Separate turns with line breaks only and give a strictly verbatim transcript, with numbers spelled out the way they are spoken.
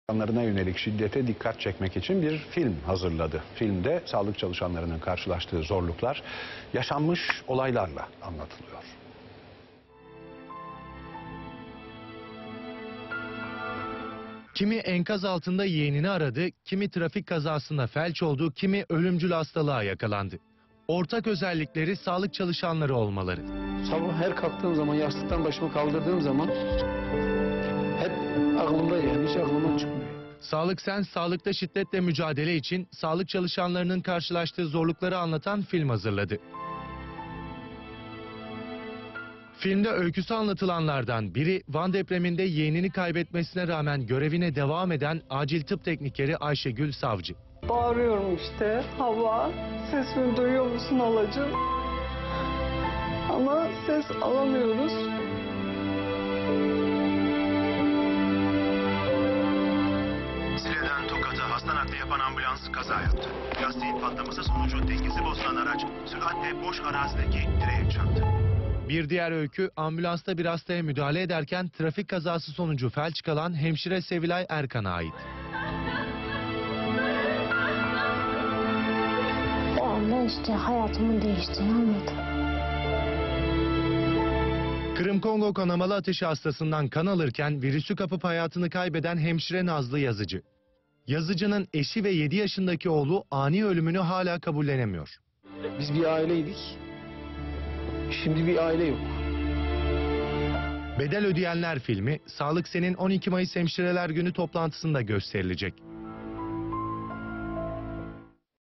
İnsanlarına yönelik şiddete dikkat çekmek için bir film hazırladı. Filmde sağlık çalışanlarının karşılaştığı zorluklar yaşanmış olaylarla anlatılıyor.
Kimi enkaz altında yeğenini aradı, kimi trafik kazasında felç oldu, kimi ölümcül hastalığa yakalandı. Ortak özellikleri sağlık çalışanları olmaları.
Sabah her kalktığım zaman, yastıktan başımı kaldırdığım zaman hep aklımda, yani hiç aklımdan çıkmıyor.
Sağlık Sen, sağlıkta şiddetle mücadele için sağlık çalışanlarının karşılaştığı zorlukları anlatan film hazırladı. Filmde öyküsü anlatılanlardan biri Van depreminde yeğenini kaybetmesine rağmen görevine devam eden acil tıp teknikeri Ayşegül Savcı.
Bağırıyorum işte, hava, sesimi duyuyor musun halacığım? Ama ses alamıyoruz.
Sile'den Tokat'a hasta nakli yapan ambulans kaza yaptı. Lastiğin patlaması sonucu dengesi bozulan araç süratle boş arazideki direğe çarptı.
Bir diğer öykü, ambulansta bir hastaya müdahale ederken trafik kazası sonucu felç kalan hemşire Sevilay Erkan'a ait.
O anda işte hayatımın değiştiğini anladım.
Kırım Kongo kanamalı ateşi hastasından kan alırken virüsü kapıp hayatını kaybeden hemşire Nazlı Yazıcı. Yazıcı'nın eşi ve yedi yaşındaki oğlu ani ölümünü hala kabullenemiyor.
Biz bir aileydik. Şimdi bir aile yok.
Bedel Ödeyenler filmi, Sağlık Sen'in on iki Mayıs Hemşireler Günü toplantısında gösterilecek.